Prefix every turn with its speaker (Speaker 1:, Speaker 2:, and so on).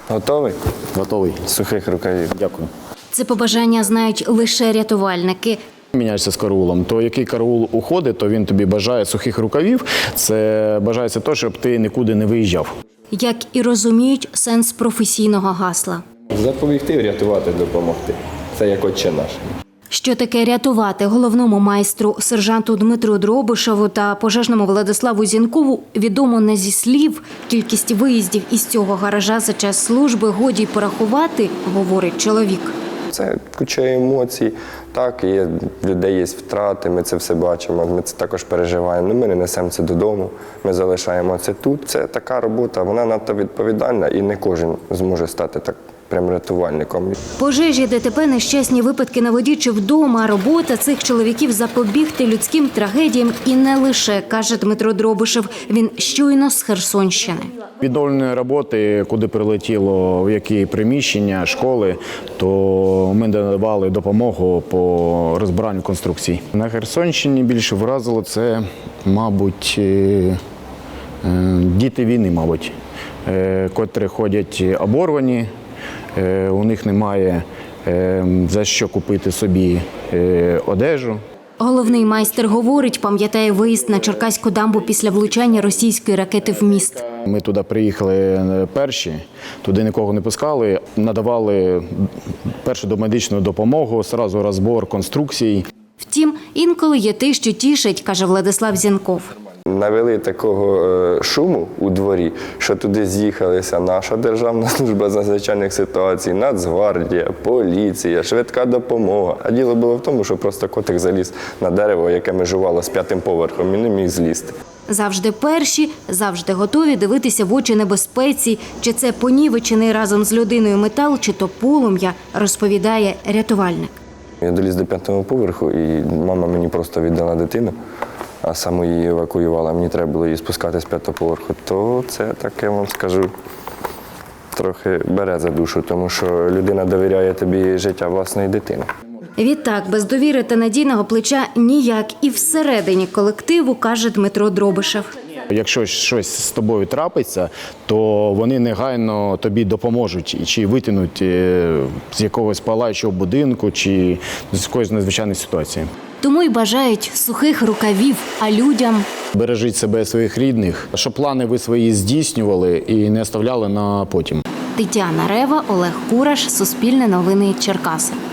Speaker 1: Готовий?
Speaker 2: Готовий.
Speaker 1: Сухих рукавів.
Speaker 2: Дякую.
Speaker 3: Це побажання знають лише рятувальники.
Speaker 2: Міняєшся з караулом. То який караул уходить, то він тобі бажає сухих рукавів. Це бажається те, щоб ти нікуди не виїжджав.
Speaker 3: Як і розуміють сенс професійного гасла.
Speaker 1: Запобігти, врятувати, допомогти. Це як Отче наш.
Speaker 3: Що таке рятувати головному майстру, сержанту Дмитру Дробишеву та пожежному Владиславу Зінкову відомо не зі слів. Кількість виїздів із цього гаража за час служби годі й порахувати, говорить чоловік.
Speaker 1: Це куча емоцій. Так, є, в людей є втрати, ми це все бачимо, ми це також переживаємо. Ми не несемо це додому, ми залишаємо це тут. Це така робота, вона надто відповідальна і не кожен зможе стати так прям рятувальником.
Speaker 3: Пожежі, ДТП, нещасні випадки на воді чи вдома. Робота цих чоловіків запобігти людським трагедіям і не лише, каже Дмитро Дробишев. Він щойно з Херсонщини.
Speaker 2: Відновлені роботи, куди прилетіло, в які приміщення, школи, то ми надавали допомогу по розбиранню конструкцій. На Херсонщині більше вразило це, мабуть, діти війни, мабуть, котрі ходять оборвані, у них немає за що купити собі одежу.
Speaker 3: Головний майстер говорить, пам'ятає виїзд на Черкаську дамбу після влучання російської ракети в міст.
Speaker 2: Ми туди приїхали перші, туди нікого не пускали, надавали першу домедичну допомогу, одразу розбор конструкцій.
Speaker 3: Втім, інколи є те, що тішить, каже Владислав Зінков.
Speaker 1: Навели такого шуму у дворі, що туди з'їхалися наша Державна служба з надзвичайних ситуацій, Нацгвардія, поліція, швидка допомога. А діло було в тому, що просто котик заліз на дерево, яке межувало з 5-м поверхом, і не міг злізти.
Speaker 3: Завжди перші, завжди готові дивитися в очі небезпеці. Чи це понівечений разом з людиною метал, чи то полум'я, розповідає рятувальник.
Speaker 1: Я доліз до 5-го поверху, і мама мені просто віддала дитину, а саму її евакуювала. Мені треба було її спускати з 5-го поверху. То це таке, вам скажу, трохи бере за душу, тому що людина довіряє тобі життя власної дитини.
Speaker 3: Відтак, без довіри та надійного плеча ніяк і всередині колективу, каже Дмитро Дробишев.
Speaker 2: Якщо щось з тобою трапиться, то вони негайно тобі допоможуть чи витягнуть з якогось палаючого будинку, чи з якоїсь надзвичайної ситуації.
Speaker 3: Тому й бажають сухих рукавів, а людям
Speaker 2: Бережіть себе і своїх рідних, щоб плани ви свої здійснювали і не оставляли на потім.
Speaker 3: Тетяна Рева, Олег Кураш, Суспільне новини, Черкаси.